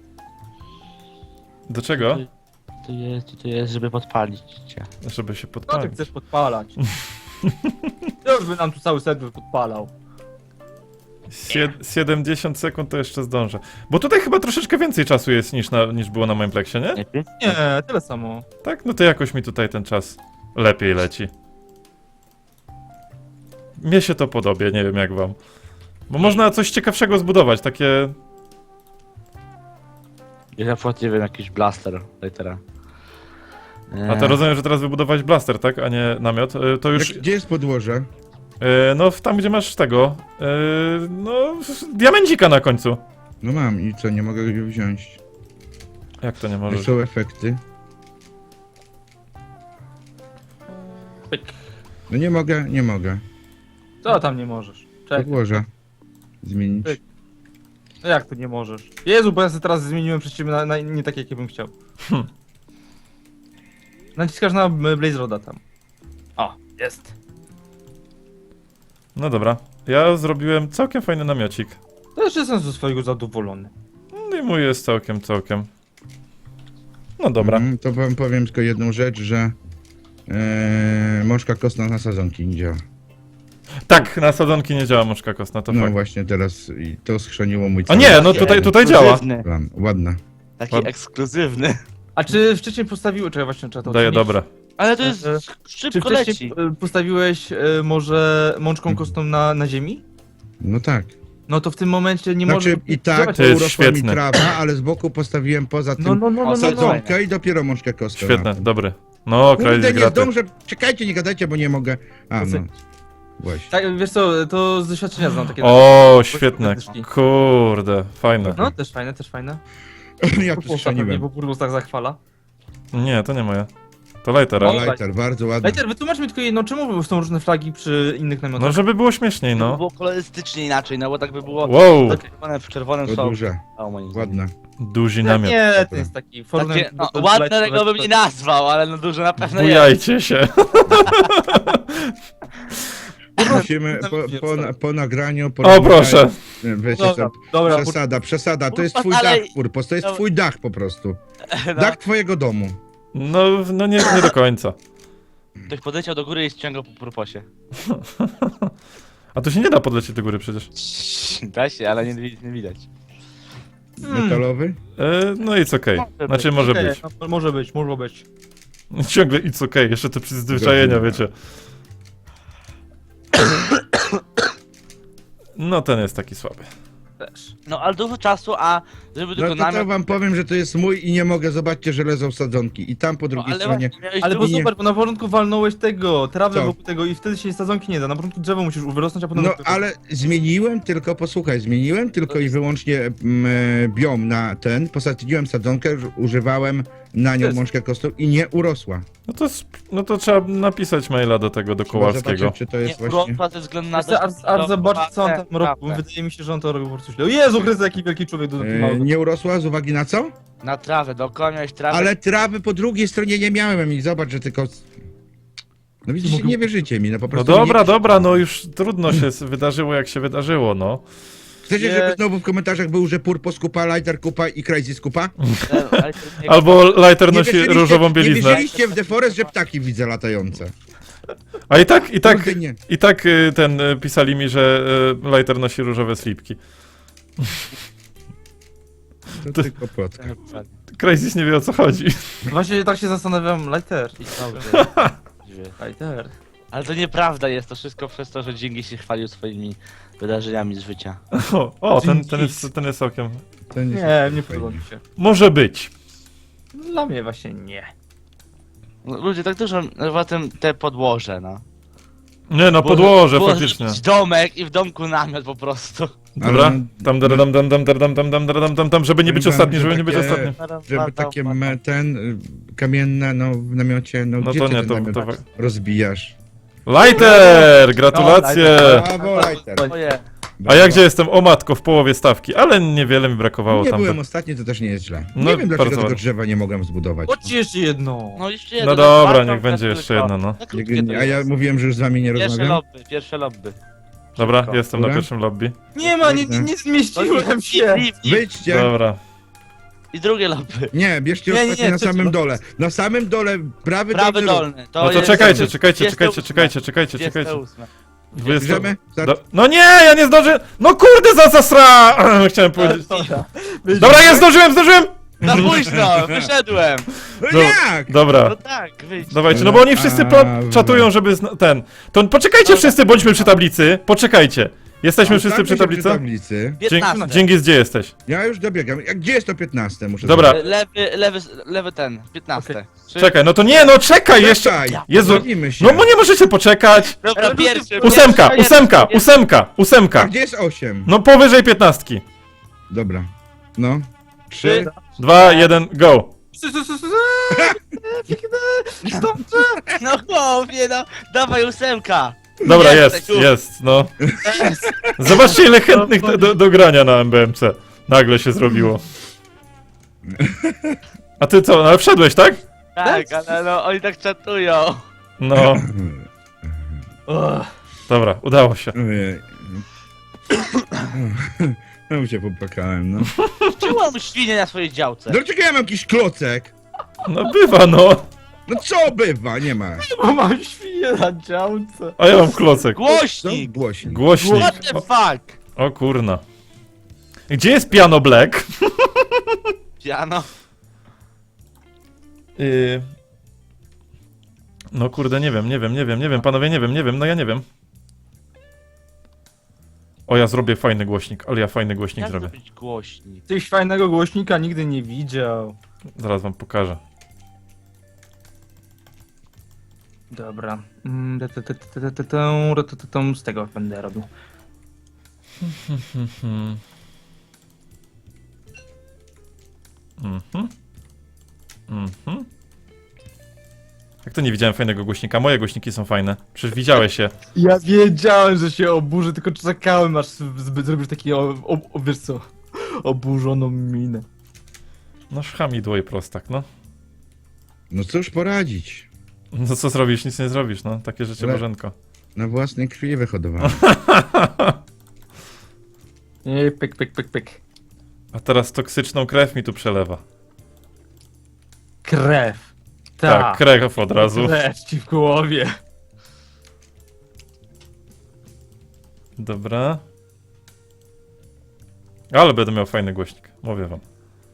[SPEAKER 1] Do czego?
[SPEAKER 2] To jest, to jest, żeby podpalić cię.
[SPEAKER 1] Żeby się
[SPEAKER 4] Co ty
[SPEAKER 1] podpalić.
[SPEAKER 4] chcesz podpalać? To już by nam tu cały serwer podpalał.
[SPEAKER 1] Sie- siedemdziesiąt sekund to jeszcze zdążę. Bo tutaj chyba troszeczkę więcej czasu jest niż, na, niż było na moim pleksie, nie?
[SPEAKER 2] Lepiej?
[SPEAKER 4] Nie, tyle samo.
[SPEAKER 1] Tak? No to jakoś mi tutaj ten czas lepiej leci. Mnie się to podoba, nie wiem jak wam. Bo można coś ciekawszego zbudować, takie...
[SPEAKER 2] Ja nie wiem, jakiś blaster litera.
[SPEAKER 1] A to rozumiem, że teraz wybudowałeś blaster, tak? A nie namiot. E, To już...
[SPEAKER 3] Jak, gdzie jest podłoże?
[SPEAKER 1] E, no w- tam, gdzie masz tego... E, no... w- diamencika na końcu.
[SPEAKER 3] No mam i co, nie mogę go wziąć.
[SPEAKER 1] Jak to nie
[SPEAKER 3] Jak
[SPEAKER 1] możesz?
[SPEAKER 3] są efekty?
[SPEAKER 4] Pyk.
[SPEAKER 3] No nie mogę, nie mogę.
[SPEAKER 4] Co tam nie możesz? Czekaj.
[SPEAKER 3] Podłoża. Zmienić.
[SPEAKER 4] Pyk. No jak tu nie możesz? Jezu, bo ja sobie teraz zmieniłem przez ciebie na, na nie tak, jakie bym chciał.
[SPEAKER 1] Hm.
[SPEAKER 4] Naciskasz na y, Blaze Roda tam. O, jest.
[SPEAKER 1] No dobra. Ja zrobiłem całkiem fajny namiocik.
[SPEAKER 4] Też jestem ze swojego zadowolony.
[SPEAKER 1] No i mój jest całkiem, całkiem. No dobra.
[SPEAKER 3] Mm, to wam powiem tylko jedną rzecz, że e, mączka kostna na sadzonki nie działa.
[SPEAKER 1] Tak, na sadzonki nie działa mączka kostna, to
[SPEAKER 3] No
[SPEAKER 1] fakt.
[SPEAKER 3] właśnie teraz i to schrzaniło mój
[SPEAKER 1] A
[SPEAKER 3] cały
[SPEAKER 1] nie, no tutaj, tutaj działa.
[SPEAKER 2] Ekskluzywny.
[SPEAKER 3] plan. Ładna.
[SPEAKER 2] Taki
[SPEAKER 1] Ładny.
[SPEAKER 2] ekskluzywny.
[SPEAKER 4] A czy wcześniej postawiłeś... Czekaj, właśnie trzeba to
[SPEAKER 1] Daję
[SPEAKER 4] ocenić.
[SPEAKER 1] dobre.
[SPEAKER 2] Ale to jest
[SPEAKER 4] E, Czy
[SPEAKER 2] szybko
[SPEAKER 4] wcześniej
[SPEAKER 2] leci.
[SPEAKER 4] y, postawiłeś y, może mączką
[SPEAKER 3] Mhm.
[SPEAKER 4] kostną na, na ziemi?
[SPEAKER 3] No tak.
[SPEAKER 4] No to w tym momencie nie
[SPEAKER 3] Znaczy
[SPEAKER 4] może
[SPEAKER 3] i tak
[SPEAKER 4] działać.
[SPEAKER 1] To jest
[SPEAKER 3] urosła mi
[SPEAKER 1] świetne.
[SPEAKER 3] trawa, ale z boku postawiłem poza tym
[SPEAKER 4] No, no, no, no, no, no.
[SPEAKER 3] sadzonkę i dopiero mączkę kostną.
[SPEAKER 1] Świetne,
[SPEAKER 3] na tym.
[SPEAKER 1] dobry. No,
[SPEAKER 3] Kurde,
[SPEAKER 1] Crazy
[SPEAKER 3] nie
[SPEAKER 1] graty.
[SPEAKER 3] zdążę. Czekajcie, nie gadajcie, bo nie mogę. A, no. Właśnie.
[SPEAKER 4] Tak, wiesz co, to z doświadczenia znam takie...
[SPEAKER 1] O, świetne.
[SPEAKER 4] dyszki.
[SPEAKER 1] Kurde, fajne.
[SPEAKER 4] No, też fajne, też fajne.
[SPEAKER 3] Ja
[SPEAKER 4] Purpursa pewnie,
[SPEAKER 3] przestrzeliłem.
[SPEAKER 4] bo Purpurs tak zachwala.
[SPEAKER 1] Nie, to nie moje. To Lightera.
[SPEAKER 4] O,
[SPEAKER 3] Lighter, bardzo ładny.
[SPEAKER 4] Lejter, wytłumacz mi tylko jedno, czemu są różne flagi przy innych namiotach?
[SPEAKER 1] No, żeby było śmieszniej,
[SPEAKER 2] No.
[SPEAKER 1] no.
[SPEAKER 2] Było kolorystycznie inaczej, no bo tak by było
[SPEAKER 1] Wow,
[SPEAKER 2] zakrywane w czerwonym
[SPEAKER 3] To
[SPEAKER 2] są.
[SPEAKER 3] duże,
[SPEAKER 2] O, moim zdaniem.
[SPEAKER 3] ładne.
[SPEAKER 1] duży
[SPEAKER 4] nie,
[SPEAKER 1] namiot.
[SPEAKER 4] nie, to jest taki
[SPEAKER 2] Takie,
[SPEAKER 4] Fortnite-
[SPEAKER 2] no,
[SPEAKER 4] to- to
[SPEAKER 2] ładne
[SPEAKER 4] Lejter-
[SPEAKER 2] tego bym nie nazwał, ale no duże na pewno jest.
[SPEAKER 1] Bujajcie się.
[SPEAKER 3] Musimy po, po, po nagraniu... Po
[SPEAKER 1] O, proszę.
[SPEAKER 3] Wiecie
[SPEAKER 4] Dobra,
[SPEAKER 3] co,
[SPEAKER 4] dobra,
[SPEAKER 3] przesada, przesada. To jest
[SPEAKER 2] Purpos,
[SPEAKER 3] twój
[SPEAKER 2] ale-
[SPEAKER 3] dach, Purpos, to jest
[SPEAKER 2] No.
[SPEAKER 3] twój dach po prostu.
[SPEAKER 2] No,
[SPEAKER 3] Dach twojego domu.
[SPEAKER 1] No, no nie, nie do końca.
[SPEAKER 2] ktoś podleciał do góry i ściągał po purposie.
[SPEAKER 1] A to się nie da podlecieć do góry przecież.
[SPEAKER 2] Da się, ale nie, wi- nie widać.
[SPEAKER 4] Hmm.
[SPEAKER 3] Metalowy?
[SPEAKER 1] E, no it's okej.
[SPEAKER 2] Może
[SPEAKER 1] Znaczy
[SPEAKER 2] być.
[SPEAKER 1] może
[SPEAKER 4] Okej,
[SPEAKER 1] być.
[SPEAKER 4] no, może być, może być.
[SPEAKER 1] Ciągle it's okej, jeszcze te przyzwyczajenia, wiecie. No ten jest taki słaby.
[SPEAKER 4] Też.
[SPEAKER 2] No ale dużo czasu, a żeby
[SPEAKER 3] No
[SPEAKER 2] tylko
[SPEAKER 3] to, to
[SPEAKER 2] namiot...
[SPEAKER 3] wam powiem, że to jest mój i nie mogę, zobaczcie, że leżą sadzonki. I tam po
[SPEAKER 2] No,
[SPEAKER 3] drugiej
[SPEAKER 2] ale
[SPEAKER 3] stronie...
[SPEAKER 2] właśnie, miałeś
[SPEAKER 4] Ale
[SPEAKER 2] dużo-
[SPEAKER 4] bo
[SPEAKER 3] nie-
[SPEAKER 4] super, bo na początku walnąłeś tego, trawę
[SPEAKER 3] Co?
[SPEAKER 4] wokół tego i wtedy się sadzonki nie da. Na początku drzewo musisz wyrosnąć, a potem...
[SPEAKER 3] No ale zmieniłem tylko, posłuchaj, zmieniłem tylko i wyłącznie mm, e, biom na ten, posadziłem sadzonkę, uż- używałem na nią
[SPEAKER 4] Jest.
[SPEAKER 3] mączkę kostną i nie urosła.
[SPEAKER 1] No to, sp- no to trzeba napisać maila do tego, do
[SPEAKER 3] Trzeba
[SPEAKER 1] Kowalskiego.
[SPEAKER 3] zobaczyć, czy to
[SPEAKER 2] Nie
[SPEAKER 3] jest właśnie...
[SPEAKER 2] urosła ze względu na
[SPEAKER 4] Wiesz co, Ar, Ar, zobacz co on tam robi, bo
[SPEAKER 2] Trawę.
[SPEAKER 4] wydaje mi się, że on to robi po prostu źle. O Jezu Chryste, jaki wielki człowiek do
[SPEAKER 3] E,
[SPEAKER 4] małego.
[SPEAKER 3] nie urosła z uwagi na co?
[SPEAKER 2] Na trawę, dookoła miałeś trawę.
[SPEAKER 3] Ale trawy po drugiej stronie nie miałem i zobacz, że tylko... No widzicie, nie wierzycie mi, no po
[SPEAKER 1] No
[SPEAKER 3] prostu
[SPEAKER 1] dobra,
[SPEAKER 3] nie...
[SPEAKER 1] dobra, no już trudno się s- wydarzyło jak się wydarzyło, no.
[SPEAKER 3] Chcecie,
[SPEAKER 4] Nie.
[SPEAKER 3] żeby znowu w komentarzach był, że Purpos kupa, Lighter kupa i Crazy skupa?
[SPEAKER 2] Ale- ale to nie-
[SPEAKER 1] Albo Lighter
[SPEAKER 3] Nie
[SPEAKER 1] nosi
[SPEAKER 3] wierzyliście-
[SPEAKER 1] różową
[SPEAKER 3] Nie
[SPEAKER 1] bieliznę.
[SPEAKER 3] wierzyliście w The Forest, że ptaki widzę latające.
[SPEAKER 1] A i tak, i tak,
[SPEAKER 3] Kurde, nie.
[SPEAKER 1] i tak y, ten y, pisali mi, że y, Lighter nosi różowe slipki.
[SPEAKER 3] To
[SPEAKER 1] To-
[SPEAKER 3] tylko plotka.
[SPEAKER 1] Crazy nie wie o co chodzi.
[SPEAKER 4] Właśnie tak się zastanawiam, Lighter.
[SPEAKER 2] I dobrze.
[SPEAKER 4] Lighter.
[SPEAKER 2] Ale to nieprawda jest, to wszystko przez to, że Dzięgi się chwalił swoimi wydarzeniami z życia.
[SPEAKER 1] O, o ten, ten, jest, ten jest całkiem...
[SPEAKER 3] To nie,
[SPEAKER 4] Nie, nie podoba mi się.
[SPEAKER 1] Może być.
[SPEAKER 4] Dla mnie właśnie nie.
[SPEAKER 2] No, ludzie, tak dużo, no, potem te podłoże, no.
[SPEAKER 1] Nie no,
[SPEAKER 2] Było-
[SPEAKER 1] podłoże
[SPEAKER 2] było
[SPEAKER 1] faktycznie.
[SPEAKER 2] zrobić domek i w domku namiot po prostu.
[SPEAKER 1] Dobra,
[SPEAKER 3] Ale-
[SPEAKER 1] tam, dam, dam, dam, dam, dam, dam, dam, dam, dam, tam, żeby nie być
[SPEAKER 3] Powiem wam,
[SPEAKER 1] ostatni,
[SPEAKER 3] że
[SPEAKER 1] żeby nie być
[SPEAKER 3] takie-
[SPEAKER 1] ostatni.
[SPEAKER 3] Żeby takie me, ten, y, kamienne, no w namiocie, no,
[SPEAKER 1] No
[SPEAKER 3] gdzie
[SPEAKER 1] to
[SPEAKER 3] ty
[SPEAKER 1] nie,
[SPEAKER 3] ten
[SPEAKER 1] to-
[SPEAKER 3] namiot
[SPEAKER 1] to-
[SPEAKER 3] rozbijasz?
[SPEAKER 1] Lighter! Gratulacje!
[SPEAKER 3] Brawo, Lighter.
[SPEAKER 2] Oje.
[SPEAKER 1] A ja gdzie jestem? O matko, w połowie stawki, ale niewiele mi brakowało
[SPEAKER 3] Nie
[SPEAKER 1] tam.
[SPEAKER 3] byłem
[SPEAKER 1] do-
[SPEAKER 3] ostatni, to też nie jest źle.
[SPEAKER 1] No,
[SPEAKER 3] Nie wiem, dlaczego
[SPEAKER 1] bardzo
[SPEAKER 3] tego
[SPEAKER 1] ładnie.
[SPEAKER 3] drzewa nie mogłem zbudować.
[SPEAKER 4] Chodź jeszcze jedno.
[SPEAKER 2] No jeszcze jedno.
[SPEAKER 1] No dobra,
[SPEAKER 2] bardzo
[SPEAKER 1] niech będzie jeszcze
[SPEAKER 2] krótko.
[SPEAKER 1] jedno, no.
[SPEAKER 2] Za krótkie to
[SPEAKER 3] A ja
[SPEAKER 2] jest.
[SPEAKER 3] mówiłem, że już z wami nie
[SPEAKER 2] Pierwsze
[SPEAKER 3] rozmawiam.
[SPEAKER 2] lobby, pierwsze lobby.
[SPEAKER 1] Dobra,
[SPEAKER 2] Szybko.
[SPEAKER 1] jestem na
[SPEAKER 3] Dobra.
[SPEAKER 1] pierwszym lobby.
[SPEAKER 4] Nie ma, nie, nie, nie zmieściłem się.
[SPEAKER 2] I, i,
[SPEAKER 3] Wyjdźcie!
[SPEAKER 1] Dobra.
[SPEAKER 2] I drugie lobby.
[SPEAKER 3] Nie, bierzcie
[SPEAKER 4] Nie, nie,
[SPEAKER 3] ostatnie
[SPEAKER 4] nie,
[SPEAKER 3] na
[SPEAKER 4] to-
[SPEAKER 3] samym dole. Na samym dole, prawy,
[SPEAKER 2] Prawy
[SPEAKER 3] dolny
[SPEAKER 2] dolny. To
[SPEAKER 1] No to
[SPEAKER 2] jest
[SPEAKER 1] czekajcie, czekajcie,
[SPEAKER 2] dwudzieste
[SPEAKER 1] czekajcie,
[SPEAKER 2] ósme.
[SPEAKER 1] czekajcie, czekajcie,
[SPEAKER 2] dwudzieste
[SPEAKER 1] czekajcie.
[SPEAKER 2] ósme.
[SPEAKER 1] dwudzieste
[SPEAKER 3] Bierzemy? Start.
[SPEAKER 1] Do... No nie, ja nie zdążę! No kurde, za zasra! Chciałem powiedzieć. Dobra, jest, zdążyłem, zdążyłem!
[SPEAKER 2] Za późno, wyszedłem.
[SPEAKER 3] No
[SPEAKER 1] Do-
[SPEAKER 3] jak?
[SPEAKER 1] Dobra.
[SPEAKER 2] No tak, wyjdź.
[SPEAKER 1] Dawajcie, no bo oni wszyscy
[SPEAKER 3] A,
[SPEAKER 1] pla- czatują, żeby zna- ten. To poczekajcie
[SPEAKER 2] Dobra.
[SPEAKER 1] wszyscy, bądźmy przy tablicy. Poczekajcie. Jesteśmy wszyscy
[SPEAKER 3] Ustawmy
[SPEAKER 1] przy
[SPEAKER 3] się
[SPEAKER 1] tablicy?
[SPEAKER 3] tablicy.
[SPEAKER 2] piętnaście.
[SPEAKER 1] Dzięki, gdzie jesteś?
[SPEAKER 3] Ja już dobiegam. A gdzie jest to piętnaste? Muszę
[SPEAKER 1] Dobra.
[SPEAKER 3] zobaczyć.
[SPEAKER 2] Lewy, lewy, lewy ten, piętnaście. Trzy-
[SPEAKER 1] Czekaj, no to nie, no czekaj jeszcze!
[SPEAKER 3] Czekaj,
[SPEAKER 1] Jezu,
[SPEAKER 3] zgodzimy się.
[SPEAKER 1] no bo nie możecie poczekać!
[SPEAKER 2] Dobra, pierwszy.
[SPEAKER 1] Ósemka,
[SPEAKER 2] pierwszy,
[SPEAKER 1] ósemka,
[SPEAKER 2] pierwszy.
[SPEAKER 1] ósemka,
[SPEAKER 3] A
[SPEAKER 1] ósemka!
[SPEAKER 3] gdzie jest osiem?
[SPEAKER 1] No powyżej piętnastki.
[SPEAKER 3] Dobra. No.
[SPEAKER 2] Trzy.
[SPEAKER 3] Trzy.
[SPEAKER 1] Dwa, jeden, go!
[SPEAKER 4] Sy, sy, sy, sy, sy. Dobrze.
[SPEAKER 2] No chłopie, no, dawaj ósemka.
[SPEAKER 1] Dobra,
[SPEAKER 2] Jest,
[SPEAKER 1] jest,
[SPEAKER 2] tu.
[SPEAKER 1] jest, no. Zobaczcie ile chętnych do, do, do grania na M B M C. Nagle się zrobiło. A ty co, no ale wszedłeś, tak?
[SPEAKER 2] Tak, ale no, oni tak czatują.
[SPEAKER 1] No,
[SPEAKER 4] Ugh.
[SPEAKER 1] dobra, udało się.
[SPEAKER 3] Ojej. No się popłakałem, no.
[SPEAKER 2] Czemu mam świnie na swojej działce?
[SPEAKER 3] Dlaczego ja mam jakiś klocek?
[SPEAKER 1] No bywa, no.
[SPEAKER 3] No co bywa? Nie ma.
[SPEAKER 4] Bo mam świnię na działce.
[SPEAKER 1] A ja mam klocek.
[SPEAKER 3] Co?
[SPEAKER 2] Głośnik!
[SPEAKER 3] Głośnik.
[SPEAKER 1] Głośnik.
[SPEAKER 2] What the fuck?
[SPEAKER 1] O, o kurna. Gdzie jest piano black?
[SPEAKER 2] Piano.
[SPEAKER 1] Yy... No kurde, nie wiem, nie wiem, nie wiem, nie wiem, panowie, nie wiem, nie wiem, no ja nie wiem. O, ja zrobię fajny głośnik, ale ja fajny głośnik
[SPEAKER 2] Jak
[SPEAKER 1] zrobię.
[SPEAKER 2] zrobić głośnik?
[SPEAKER 4] Tyś fajnego głośnika nigdy nie widział.
[SPEAKER 1] Zaraz wam pokażę.
[SPEAKER 4] Dobra. Mm, te- te- te- te- te- te- te- te- te- te- Z tego będę robił.
[SPEAKER 1] Mhm. Mhm. Mhm. Jak to nie widziałem fajnego głośnika? Moje głośniki są fajne. Przecież widziałeś je.
[SPEAKER 4] Ja wiedziałem, że się oburzy, tylko czekałem, aż zbyt zrobisz taki, o, o, o, wiesz co, oburzoną minę.
[SPEAKER 1] No szhamidło i prostak, no.
[SPEAKER 3] No cóż poradzić?
[SPEAKER 1] No co zrobisz? Nic nie zrobisz, no. Takie życie
[SPEAKER 3] Ale-
[SPEAKER 1] Bożenko.
[SPEAKER 3] Na własnej krwi wyhodowałem.
[SPEAKER 4] Nie, pyk, pyk, pyk, pyk.
[SPEAKER 1] A teraz toksyczną krew mi tu przelewa.
[SPEAKER 4] Krew.
[SPEAKER 1] Tak,
[SPEAKER 4] Tak,
[SPEAKER 1] krew od razu.
[SPEAKER 4] krew ci w głowie.
[SPEAKER 1] Dobra. Ale będę miał fajny głośnik, mówię wam.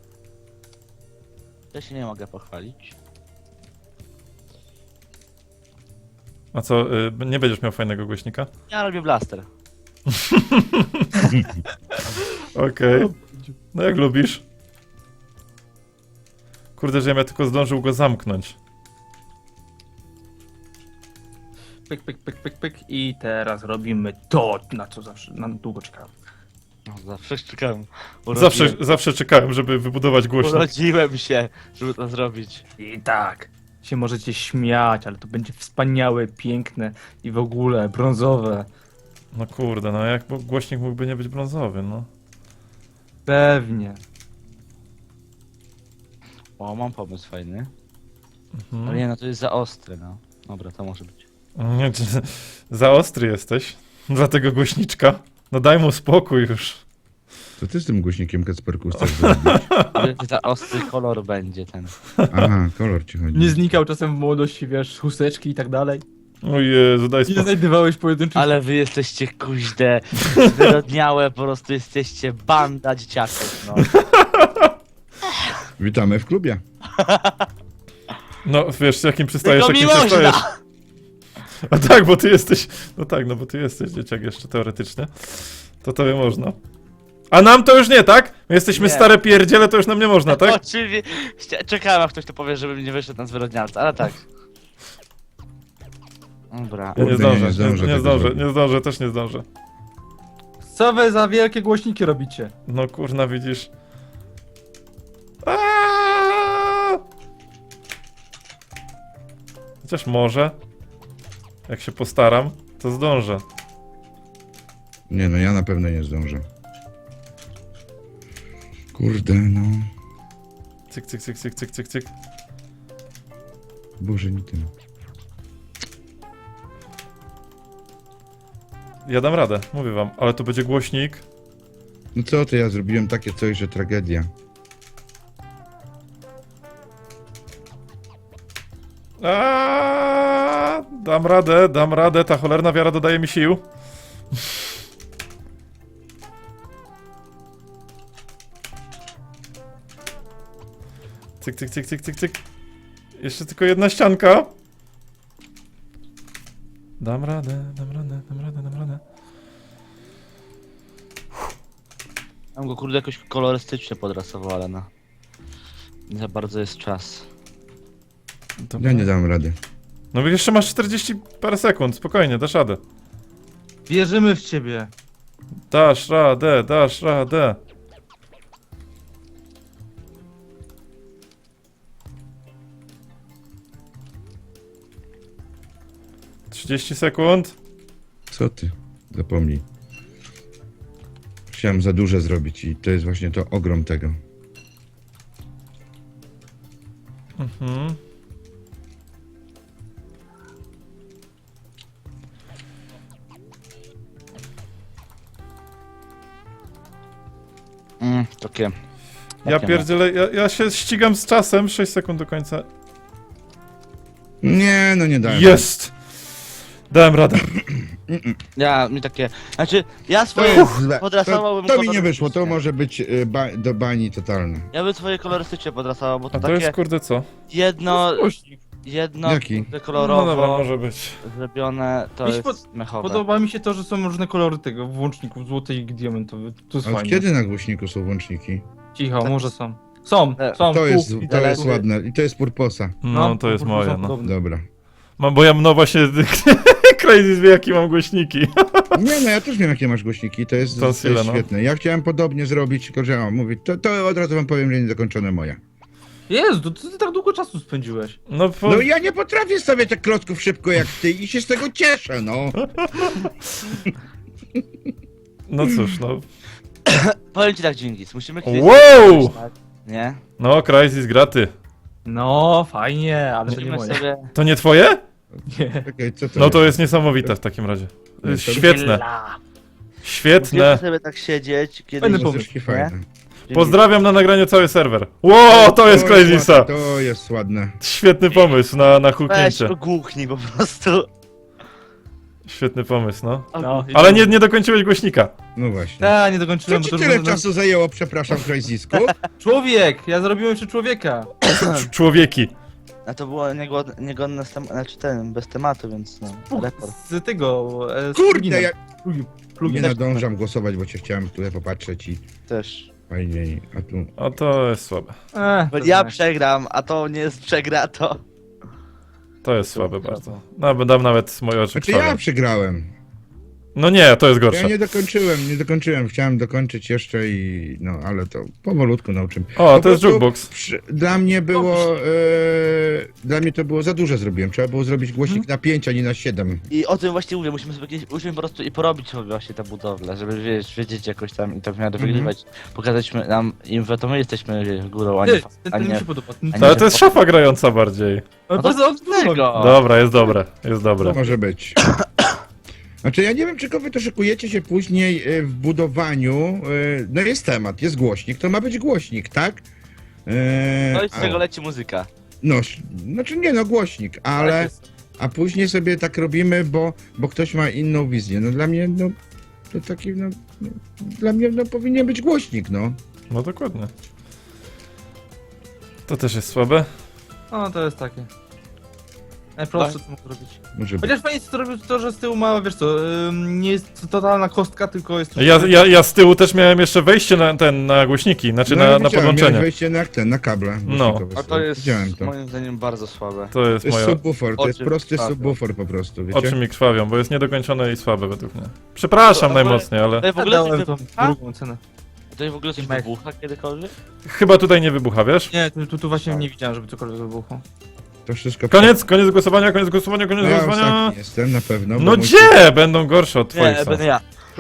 [SPEAKER 2] Ja się nie mogę pochwalić.
[SPEAKER 1] A co, y, nie będziesz miał fajnego głośnika?
[SPEAKER 2] Ja robię blaster.
[SPEAKER 1] Okej. No jak lubisz. Kurde, że ja tylko zdążył go zamknąć.
[SPEAKER 4] Pyk, pyk, pyk, pyk, pyk. I teraz robimy to, na co zawsze, na długo czekałem.
[SPEAKER 2] No, zawsze czekałem.
[SPEAKER 1] Zawsze,
[SPEAKER 2] Urodziłem,
[SPEAKER 1] zawsze czekałem, żeby wybudować głośnik.
[SPEAKER 2] urodziłem się, żeby to zrobić.
[SPEAKER 4] I tak, się możecie śmiać, ale to będzie wspaniałe, piękne i w ogóle brązowe.
[SPEAKER 1] No kurde, no jak bo głośnik mógłby nie być brązowy, no.
[SPEAKER 4] Pewnie.
[SPEAKER 2] O, mam pomysł fajny.
[SPEAKER 1] Mhm.
[SPEAKER 2] Ale nie, no to jest za ostre, no. Dobra, to może być.
[SPEAKER 1] Nie, czy- za ostry jesteś. Dla tego głośniczka. No daj mu spokój już.
[SPEAKER 3] Co ty z tym głośnikiem Kacperku chcesz zrobić?
[SPEAKER 2] Ale za ostry kolor będzie ten.
[SPEAKER 3] Aha, kolor ci chodzi.
[SPEAKER 4] Nie znikał czasem w młodości, wiesz, chusteczki i tak dalej?
[SPEAKER 1] O Jezu, daj
[SPEAKER 4] Nie
[SPEAKER 1] spokój.
[SPEAKER 4] znajdowałeś pojedynczych...
[SPEAKER 2] Ale wy jesteście kuźde, zwyrodniałe, po prostu jesteście banda dzieciaków, no.
[SPEAKER 3] Witamy w klubie.
[SPEAKER 1] No wiesz, z jakim przystajesz,
[SPEAKER 2] Tylko mi
[SPEAKER 1] jakim przystajesz.
[SPEAKER 2] można!
[SPEAKER 1] A tak, bo ty jesteś... No tak, no bo ty jesteś dzieciak jeszcze teoretycznie. To tobie można. A nam to już nie, tak? My jesteśmy
[SPEAKER 2] Nie.
[SPEAKER 1] stare pierdziele, to już nam nie można, tak?
[SPEAKER 2] Oczywiście, czekałem, aż ktoś to powie, żeby nie wyszedł na zwyrodnialca, ale tak. Dobra.
[SPEAKER 1] Ja nie
[SPEAKER 3] Kurde, nie,
[SPEAKER 1] zdążę,
[SPEAKER 3] nie zdążę
[SPEAKER 1] nie, nie
[SPEAKER 3] tego
[SPEAKER 1] zdążę,
[SPEAKER 3] zrobić.
[SPEAKER 1] nie zdążę, też nie zdążę.
[SPEAKER 4] Co wy za wielkie głośniki robicie?
[SPEAKER 1] No kurna, widzisz. Aaaa! Chociaż może. Jak się postaram, to zdążę.
[SPEAKER 3] Nie no, ja na pewno nie zdążę. Kurde, no.
[SPEAKER 1] Cyk, cyk, cyk, cyk, cyk, cyk, cyk.
[SPEAKER 3] Boże, nie tym.
[SPEAKER 1] Ja dam radę, mówię wam, ale to będzie głośnik.
[SPEAKER 3] No co ty, ja zrobiłem takie coś, że tragedia.
[SPEAKER 1] Aaaa! Dam radę, dam radę, ta cholerna wiara dodaje mi sił. Cyk, cyk, cyk, cyk, cyk, cyk. Jeszcze tylko jedna ścianka. Dam radę, dam radę, dam radę, dam radę.
[SPEAKER 2] Mam go kurde jakoś kolorystycznie podrasował, ale no. Nie za bardzo jest czas.
[SPEAKER 1] Dobra.
[SPEAKER 3] Ja nie dam rady.
[SPEAKER 1] No jeszcze masz czterdzieści parę sekund, spokojnie, dasz radę.
[SPEAKER 4] Wierzymy w ciebie.
[SPEAKER 1] Dasz radę, dasz radę. trzydzieści sekund.
[SPEAKER 3] Co ty? Zapomnij. Chciałem za duże zrobić i to jest właśnie to ogrom tego.
[SPEAKER 1] Mhm.
[SPEAKER 2] Mm, takie.
[SPEAKER 1] Ja
[SPEAKER 2] takie
[SPEAKER 1] pierdzielę, ja, ja się ścigam z czasem, sześć sekund do końca.
[SPEAKER 3] Nie, no nie dałem.
[SPEAKER 1] Jest! Dałem radę.
[SPEAKER 2] Ja, mi takie. Znaczy, ja
[SPEAKER 3] To
[SPEAKER 2] swoje
[SPEAKER 3] jest złe. To,
[SPEAKER 2] podrasowałbym
[SPEAKER 3] to mi nie wyszło, to
[SPEAKER 2] kolorystycznie.
[SPEAKER 3] może być y, ba do bani totalne.
[SPEAKER 2] Ja bym swoje kolorystycznie podrasował, bo to,
[SPEAKER 1] A to
[SPEAKER 2] takie
[SPEAKER 1] jest kurde co?
[SPEAKER 2] jedno,
[SPEAKER 4] Głośnik.
[SPEAKER 2] jedno
[SPEAKER 3] Jaki?
[SPEAKER 2] kurde
[SPEAKER 1] No
[SPEAKER 2] kolorowo
[SPEAKER 1] dobra, może być.
[SPEAKER 2] zrobione, to
[SPEAKER 4] Mi się
[SPEAKER 2] jest mechowe.
[SPEAKER 4] Podoba mi się to, że są różne kolory tego włączników, złoty i diamentowy. To jest
[SPEAKER 3] A od
[SPEAKER 4] fajne.
[SPEAKER 3] kiedy na głośniku są włączniki?
[SPEAKER 4] Cicho,
[SPEAKER 2] Tak.
[SPEAKER 4] może są. Są,
[SPEAKER 2] E,
[SPEAKER 4] są.
[SPEAKER 3] To jest,
[SPEAKER 4] tu, i
[SPEAKER 3] to jest
[SPEAKER 4] tu.
[SPEAKER 3] ładne i to jest purposa.
[SPEAKER 1] No to jest
[SPEAKER 4] po prostu
[SPEAKER 1] moje,
[SPEAKER 4] są
[SPEAKER 1] no.
[SPEAKER 4] podobne.
[SPEAKER 3] Dobra.
[SPEAKER 1] Mam, bo ja no właśnie Crazy wie jakie mam głośniki.
[SPEAKER 3] Nie, no ja też wiem, jakie masz głośniki, to jest, to jest
[SPEAKER 1] Tonsile, no.
[SPEAKER 3] świetne. Ja chciałem podobnie zrobić, tylko że o, mówię, to, to od razu wam powiem, że niedokończone moja.
[SPEAKER 4] Jezu, to ty tak długo czasu spędziłeś.
[SPEAKER 1] No, po...
[SPEAKER 3] No ja nie potrafię stawiać tak klocków szybko jak ty i się z tego cieszę, no.
[SPEAKER 1] no cóż, no.
[SPEAKER 2] Powiem ci tak, Dżingis, musimy kiedyś...
[SPEAKER 1] Wow!
[SPEAKER 2] tak? Nie?
[SPEAKER 1] No, Crysis graty.
[SPEAKER 4] No, fajnie, ale to nie
[SPEAKER 2] Musimy
[SPEAKER 4] moje.
[SPEAKER 2] sobie...
[SPEAKER 1] To nie twoje?
[SPEAKER 4] Nie.
[SPEAKER 3] Czekaj, co to
[SPEAKER 1] No
[SPEAKER 3] jest?
[SPEAKER 1] to jest niesamowite w takim razie. To jest
[SPEAKER 3] to-
[SPEAKER 1] świetne,
[SPEAKER 2] Musimy
[SPEAKER 1] świetne.
[SPEAKER 2] sobie tak siedzieć, kiedy...
[SPEAKER 4] Fajny
[SPEAKER 2] nie-
[SPEAKER 4] pomysł.
[SPEAKER 3] Muzyczki fajne.
[SPEAKER 1] Pozdrawiam na nagraniu cały serwer. Wow, to jest Crazisa!
[SPEAKER 3] ładne, To jest ładne.
[SPEAKER 1] Świetny pomysł na, na
[SPEAKER 2] Weź
[SPEAKER 1] huknięcie.
[SPEAKER 2] ogłuchnij po prostu.
[SPEAKER 1] Świetny pomysł, no.
[SPEAKER 4] No.
[SPEAKER 1] Ale nie, nie dokończyłeś głośnika.
[SPEAKER 3] No właśnie.
[SPEAKER 4] Ta, nie
[SPEAKER 3] Co
[SPEAKER 4] dokończyłem,
[SPEAKER 3] ci
[SPEAKER 4] bo to
[SPEAKER 3] tyle
[SPEAKER 4] już-
[SPEAKER 3] czasu zajęło, przepraszam, Crazysku?
[SPEAKER 4] Człowiek! Ja zrobiłem jeszcze człowieka.
[SPEAKER 1] Cz- Człowieki.
[SPEAKER 2] A to było niegodne, niegodne z tem- znaczy ten, bez tematu, więc no, rekord.
[SPEAKER 4] Z tego... E, z
[SPEAKER 3] Kurde,
[SPEAKER 4] pluginem.
[SPEAKER 3] ja
[SPEAKER 4] Plugin-
[SPEAKER 3] nie
[SPEAKER 4] plugin.
[SPEAKER 3] nadążam głosować, bo cię chciałem tutaj popatrzeć i
[SPEAKER 2] Też.
[SPEAKER 3] fajniej, a tu...
[SPEAKER 1] O, to jest słabe.
[SPEAKER 4] E,
[SPEAKER 2] Bo
[SPEAKER 4] to
[SPEAKER 2] ja
[SPEAKER 4] znaczy.
[SPEAKER 2] przegram, a to nie jest przegra, to...
[SPEAKER 1] To jest słabe bardzo. No, bo dam nawet moje oczy
[SPEAKER 3] Znaczy ja
[SPEAKER 1] krwawią.
[SPEAKER 3] przegrałem.
[SPEAKER 1] No nie, to jest
[SPEAKER 3] Ja
[SPEAKER 1] gorsze.
[SPEAKER 3] nie dokończyłem, nie dokończyłem, chciałem dokończyć jeszcze i... no, ale to powolutku nauczymy.
[SPEAKER 1] O,
[SPEAKER 3] Po
[SPEAKER 1] to jest
[SPEAKER 3] prostu
[SPEAKER 1] jukebox.
[SPEAKER 3] przy- Dla mnie było... E, dla mnie to było za dużo zrobiłem, trzeba było zrobić głośnik na pięć, a nie na siedem.
[SPEAKER 2] I o tym właśnie mówię, musimy sobie kiedyś, musimy po prostu i porobić sobie właśnie tę budowlę, żeby wiesz, wiedzieć jakoś tam i tak w miarę
[SPEAKER 3] Mhm.
[SPEAKER 2] wygrywać. Pokazać my- nam im, że to my jesteśmy wiesz, górą, a nie...
[SPEAKER 4] Ty, ten,
[SPEAKER 2] a
[SPEAKER 4] ten mi
[SPEAKER 2] nie...
[SPEAKER 4] się podoba.
[SPEAKER 2] a
[SPEAKER 4] Ten,
[SPEAKER 2] nie-
[SPEAKER 1] No, ale to jest szafa grająca bardziej.
[SPEAKER 4] ale
[SPEAKER 2] No to
[SPEAKER 4] bardzo
[SPEAKER 2] z tego!
[SPEAKER 1] Dobra, jest dobre, jest dobre.
[SPEAKER 3] Może być. Znaczy ja nie wiem, czy wy to szykujecie się później e, w budowaniu. e, No jest temat, jest głośnik, to ma być głośnik, tak? E,
[SPEAKER 2] No i z
[SPEAKER 3] a-
[SPEAKER 2] tego leci muzyka.
[SPEAKER 3] No, sz- znaczy nie no, głośnik, ale... A później sobie tak robimy, bo, bo ktoś ma inną wizję. No dla mnie, no... To taki, no... no dla mnie, no powinien być głośnik, no.
[SPEAKER 1] No dokładnie. To też jest słabe.
[SPEAKER 4] No to jest takie. Najprostsze co mógł robić.
[SPEAKER 3] Może być.
[SPEAKER 4] Chociaż fajnie co robił to, że z tyłu ma, wiesz co, ym, nie jest to totalna kostka, tylko jest...
[SPEAKER 1] Ja, ja, ja z tyłu też miałem jeszcze wejście na ten, na głośniki, znaczy
[SPEAKER 3] No,
[SPEAKER 1] na,
[SPEAKER 3] ja
[SPEAKER 1] na
[SPEAKER 3] widziałem,
[SPEAKER 1] podłączenie.
[SPEAKER 3] miałeś wejście na ten, na kable.
[SPEAKER 1] No.
[SPEAKER 3] głośnikowe
[SPEAKER 2] A to
[SPEAKER 3] sobie.
[SPEAKER 2] jest
[SPEAKER 3] Widziałem to.
[SPEAKER 2] moim zdaniem bardzo słabe.
[SPEAKER 1] To jest
[SPEAKER 3] To jest
[SPEAKER 1] moja...
[SPEAKER 3] subwoofer, to jest
[SPEAKER 2] Oczy
[SPEAKER 3] prosty
[SPEAKER 2] krwawią.
[SPEAKER 3] subwoofer po prostu, wiecie?
[SPEAKER 1] Oczy mi krwawią, bo jest niedokończone i słabe według mnie. Przepraszam
[SPEAKER 2] To-
[SPEAKER 1] najmocniej, ale
[SPEAKER 2] To w ogóle
[SPEAKER 4] Dałem
[SPEAKER 2] coś
[SPEAKER 4] tą
[SPEAKER 2] wybucha?
[SPEAKER 4] drugą cenę.
[SPEAKER 2] To w ogóle coś
[SPEAKER 4] Mech.
[SPEAKER 2] wybucha kiedykolwiek?
[SPEAKER 1] chyba tutaj nie wybucha, wiesz?
[SPEAKER 4] Nie, tu, tu, tu właśnie nie widziałem, żeby cokolwiek wybuchło.
[SPEAKER 3] To wszystko...
[SPEAKER 1] Koniec, koniec głosowania, koniec głosowania, koniec
[SPEAKER 3] No, ja
[SPEAKER 1] głosowania.
[SPEAKER 3] ostatni jestem, na pewno. bo
[SPEAKER 1] No
[SPEAKER 3] mój-
[SPEAKER 1] gdzie? Będą gorsze od twoich
[SPEAKER 2] Nie,
[SPEAKER 1] są.
[SPEAKER 2] będę ja.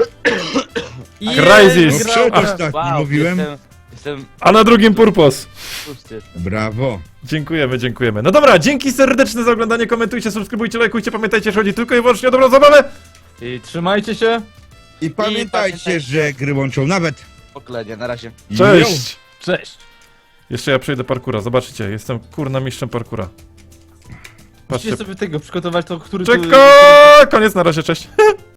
[SPEAKER 1] Crysis.
[SPEAKER 3] No przedostatni, mówiłem.
[SPEAKER 2] Jestem, jestem
[SPEAKER 1] A na drugim purpos.
[SPEAKER 2] pusty.
[SPEAKER 3] Brawo.
[SPEAKER 1] Dziękujemy, dziękujemy. No dobra, dzięki serdeczne za oglądanie, komentujcie, subskrybujcie, lajkujcie, pamiętajcie, że chodzi tylko i wyłącznie o dobrą zabawę.
[SPEAKER 4] I trzymajcie się.
[SPEAKER 3] I pamiętajcie,
[SPEAKER 2] pamiętajcie.
[SPEAKER 3] że gry łączą nawet.
[SPEAKER 2] Poklenie, na razie.
[SPEAKER 1] Cześć!
[SPEAKER 4] Cześć.
[SPEAKER 1] Jeszcze ja przejdę parkura, zobaczycie, jestem kurna mistrzem parkura.
[SPEAKER 4] Musicie
[SPEAKER 1] Patrzcie.
[SPEAKER 4] sobie tego przygotować, to który... tu-
[SPEAKER 1] Czekaj! Koniec, na razie, cześć.